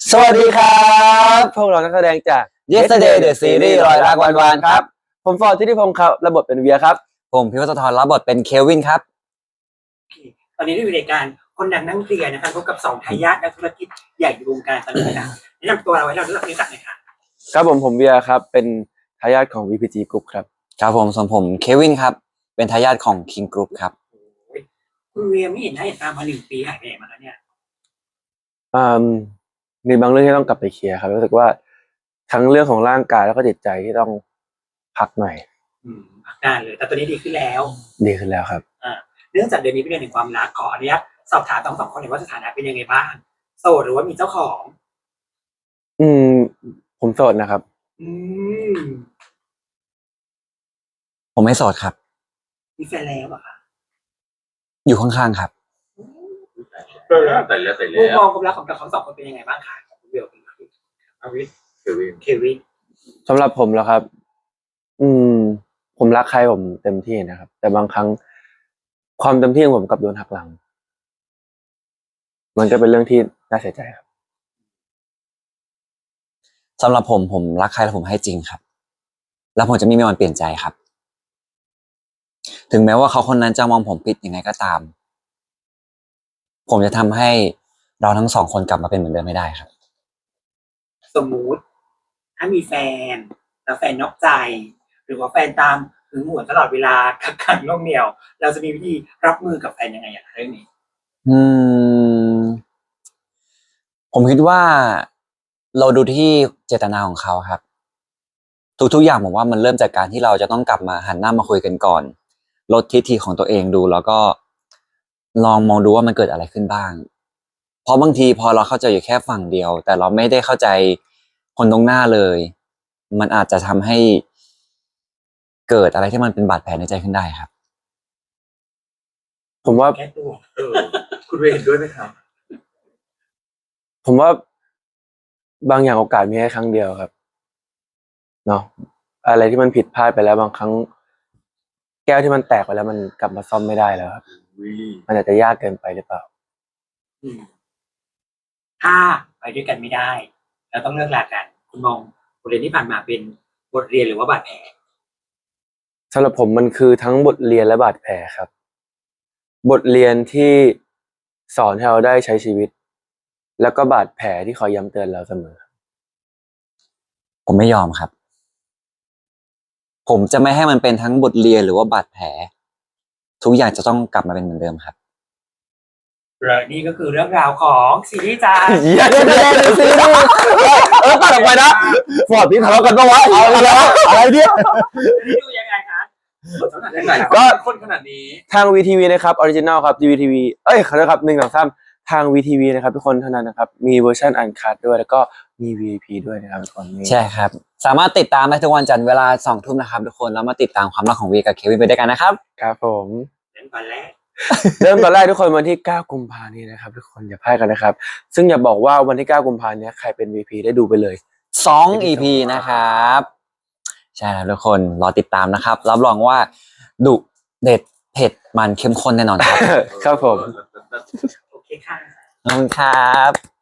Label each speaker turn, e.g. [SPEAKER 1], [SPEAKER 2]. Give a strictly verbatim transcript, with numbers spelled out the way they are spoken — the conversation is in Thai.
[SPEAKER 1] สวัสดีครับพวกเรานักแสดงจาก
[SPEAKER 2] Yesterday The Series รอยรักวันวานครับ
[SPEAKER 1] ผมฟอร์ดทิติพงศ์ครับรับบทเป็นเวียครับ
[SPEAKER 2] ผมพิวัตรธรรับบทเป็นเควินครับ
[SPEAKER 3] ตอนนี้ได้อยู่ในการคนดังนั่งเคลียร์นะคะพบกับสองทายาทนักธุรกิจใหญ่ในวงการตอนนี้นะแนะนำตัวเราให้เรารู้จักรู้จักหน่อยค่ะ
[SPEAKER 1] ครับผมผมเวียครับเป็นทายาทของ วี พี จี Group ครับ
[SPEAKER 2] ครับผมส่วนผมเควินครับเป็นทายาทของ King Group ครับ
[SPEAKER 3] คุณเวียไม่เห็นหน้าเห็นตามาหนึ่งปีหายไปไหนมาแล้วเนี่ย
[SPEAKER 1] อืมมีบางเรื่องที่ต้องกลับไปเคลียร์ครับรู้สึกว่าทั้งเรื่องของร่างกายแล้วก็จิตใจที่ต้องพักหน่อย
[SPEAKER 3] อืมพักนานเลยแต่ตอนนี้ดีขึ้นแล้ว
[SPEAKER 1] ดีขึ้นแล้วครับ
[SPEAKER 3] อ่าเนื่องจากเดือนนี้เป็นเดือนแห่งความรักขออนุญาตสอบถามทั้งสองคนหน่อยว่าสถานะเป็นยังไงบ้างโสดหรือว่ามีเจ้าของ
[SPEAKER 1] อืมผมโสดนะครับ
[SPEAKER 3] อืม
[SPEAKER 2] ผมไม่โสดครับ
[SPEAKER 3] มีแฟนแล้วอะค่ะ
[SPEAKER 2] อยู่ข้างๆครับ
[SPEAKER 4] แต่แล้วแต่แล้วแต่
[SPEAKER 3] มุม
[SPEAKER 4] แล้
[SPEAKER 3] ม
[SPEAKER 4] ว
[SPEAKER 3] องความรักของทั้งสองคนเป็นยังไงบ้างคะของคุณเวียกับคุณอาวิส
[SPEAKER 4] คือวิน
[SPEAKER 3] เควิน
[SPEAKER 1] สำหรับผมแล้วครับ อืม ผมรักใครผมเต็มที่นะครับ แต่บางครั้งความเต็มที่ของผมกลับโดนหักหลัง มันก็เป็นเรื่องที่น่าเสียใจครับ
[SPEAKER 2] สำหรับผมผมรักใครแล้วผมให้จริงครับ แล้วผมจะไม่มีวันเปลี่ยนใจครับ ถึงแม้ว่าเขาคนนั้นจะมองผมผิดยังไงก็ตาม ผมจะทำให้เราทั้งสองคนกลับมาเป็นเหมือนเดิมไม่ได้ครับ
[SPEAKER 3] สมมุติถ้ามีแฟนแล้วแฟนนอกใจ หรือว่าแฟนตามหึงหวงตลอดเวลากักขังน่วงเหนี่ยว เราจะมีวิธีรับมือกับแฟนยังไงอะเรื่องนี้
[SPEAKER 2] อืม ผมคิดว่าเราดูที่เจตนาของเขาครับ ทุกๆอย่างผมว่ามันเริ่มจากการที่เราจะต้องกลับมาหันหน้ามาคุยกันก่อนลดทิฐิของตัวเองดูแล้วก็ลองมองดูว่ามันเกิดอะไรขึ้นบ้าง เพราะบางทีพอเราเข้าใจอยู่แค่ฝั่งเดียว แต่เราไม่ได้เข้าใจคนตรงหน้าเลย มันอาจจะทำให้เกิดอะไรที่มันเป็นบาดแผลในใจขึ้นได้ครับ
[SPEAKER 1] ผมว่า
[SPEAKER 3] แก้ตัว
[SPEAKER 4] เออคุณเวรเห็นด้วยไหมครับ
[SPEAKER 1] ผมว่าบางอย่างโอกาสมีแค่ครั้งเดียวครับเนาะอะไรที่มันผิดพลาดไปแล้วบางครั้ง แก้วที่มันแตกไปแล้วมันกลับมาซ่อมไม่ได้แล้วครับ
[SPEAKER 4] วิ
[SPEAKER 1] มันอาจจะยากเกินไปหรือเปล่า
[SPEAKER 3] อืมถ้าไปด้วยกันไม่ได้ เราต้องเลิกลากัน คุณมองบทเรียนที่ผ่านมาเป็นบทเรียนหรือว่าบาดแผล
[SPEAKER 1] สำหรับผมมันคือทั้งบทเรียนและบาดแผลครับ บทเรียนที่สอนให้เราได้ใช้ชีวิต แล้วก็บาดแผลที่คอยย้ำเตือนเราเสมอ
[SPEAKER 2] ผมไม่ยอมครับ ผมจะไม่ให้มันเป็นทั้งบทเรียนหรือว่าบาดแผล ทุกอย่างจะต้องกลับมาเป็นเหมือนเดิมครับ
[SPEAKER 3] และนี่ก็คือเรื่องราวของซีรีส์จาน
[SPEAKER 1] เดี๋ยวเดี๋ยวเดี๋ยวเดี๋ยวซีรีส์เออตัดออกไปนะฟอร์ดพี่ทะเลาะกันปะวะเอาแล้วอะไรเนี่ย
[SPEAKER 3] นี่ดูยังไงคะบทสนทนา
[SPEAKER 4] ยังไง
[SPEAKER 1] ก็
[SPEAKER 4] ก็คนขนาดนี้
[SPEAKER 1] ทาง วี ที วี นะครับออริจินัลครับ วี ที วี เอ้ยขอโทษครับหนึ่งสองสามทาง วี ที วี นะครับทุกคนเท่านั้นนะครับ มีเวอร์ชันอันคัทด้วยแล้วก็มี วี ไอ พี ด้วยนะครับทุกคนนี่
[SPEAKER 2] ใช่ครับ สามารถติดตามได้ทุกวันจันทร์เวลาสองทุ่มนะครับทุกคนแล้วมาติดตามความรักของวีกับเควินไปด้วยกันนะครับ
[SPEAKER 1] ครับผม
[SPEAKER 3] เรื่องตอนแรก
[SPEAKER 1] เริ่มตอนแรกทุกคนวันที่เก้ากุมภาพันธ์นี้นะครับทุกคนอย่าพลาดกันนะครับ ซึ่งอย่าบอกว่าวันที่เก้ากุมภาพันธ์นี้ใครเป็น วี พี ได้ดูไปเลย
[SPEAKER 2] สอง อี พี นะครับ ใช่แล้วทุกคนรอติดตามนะครับ รับรองว่าดุเด็ดเผ็ดมันเข้มข้นแน่นอนครับ
[SPEAKER 1] ครับผม
[SPEAKER 3] โอเคค่ะ
[SPEAKER 2] ขอบคุณครับ